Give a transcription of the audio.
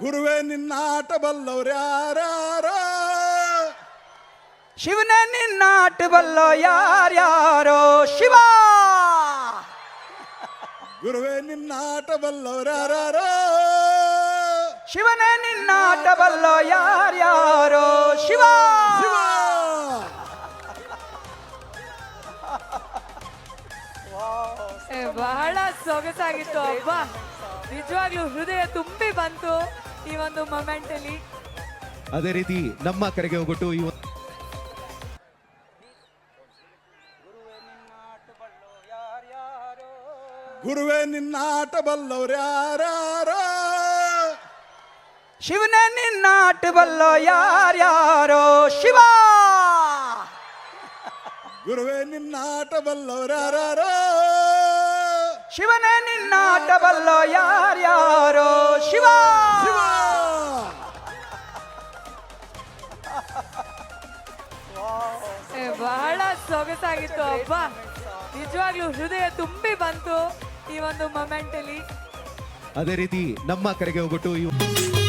ಗುರುವೇ ನಿನ್ನಾಟ ಬಲ್ಲವ್ರ್ಯಾರೋ, ಶಿವನೇ ನಿನ್ನಾಟ ಬಲ್ಲೋ ಯಾರ್ಯಾರೋ ಶಿವ. ಗುರುವೇ ನಿನ್ನಾಟ ಬಲ್ಲವ್ರ್ಯಾರೋ, ಶಿವನೇ ನಿನ್ನಾಟ ಬಲ್ಲೋ ಯಾರ್ಯಾರೋ ಶಿವ. ಶಿವ. ಬಹಳ ಸೊಗಸಾಗಿತ್ತು ಅಬ್ಬ, ನಿಜವಾಗ್ಲೂ ಹೃದಯ ತುಂಬಿ ಬಂತು ಈ ಒಂದು ಮೊಮೆಂಟ್ ಅಲ್ಲಿ. ಅದೇ ರೀತಿ ನಮ್ಮ ಕರೆಗೆ ಹೋಗ್ಬಿಟ್ಟು ಗುರುವೇ ನಿನ್ನಾಟ ಬಲ್ಲವ್ರ್ಯಾರೋ, ಶಿವನೇ ನಿನ್ನಾಟ ಬಲ್ಲೋ ಯಾರ್ಯಾರೋ ಶಿವ. ಗುರುವೇ ನಿನ್ನಾಟ ಬಲ್ಲವ್ರ್ಯಾರೋ, ಶಿವನೇ ನಿನ್ನಾಟ ಬಲ್ಲೋ ಯಾರ್ಯಾರೋ ಶಿವ. ಶಿವ. ಬಹಳ ಸೊಗಸಾಗಿತ್ತು ಅಬ್ಬ, ನಿಜವಾಗ್ಲೂ ಹೃದಯ ತುಂಬಿ ಬಂತು ಈ ಒಂದು ಮೊಮೆಂಟ್ ಅಲ್ಲಿ. ಅದೇ ರೀತಿ ನಮ್ಮ ಕರೆಗೆ ಹೋಗ್ಬಿಟ್ಟು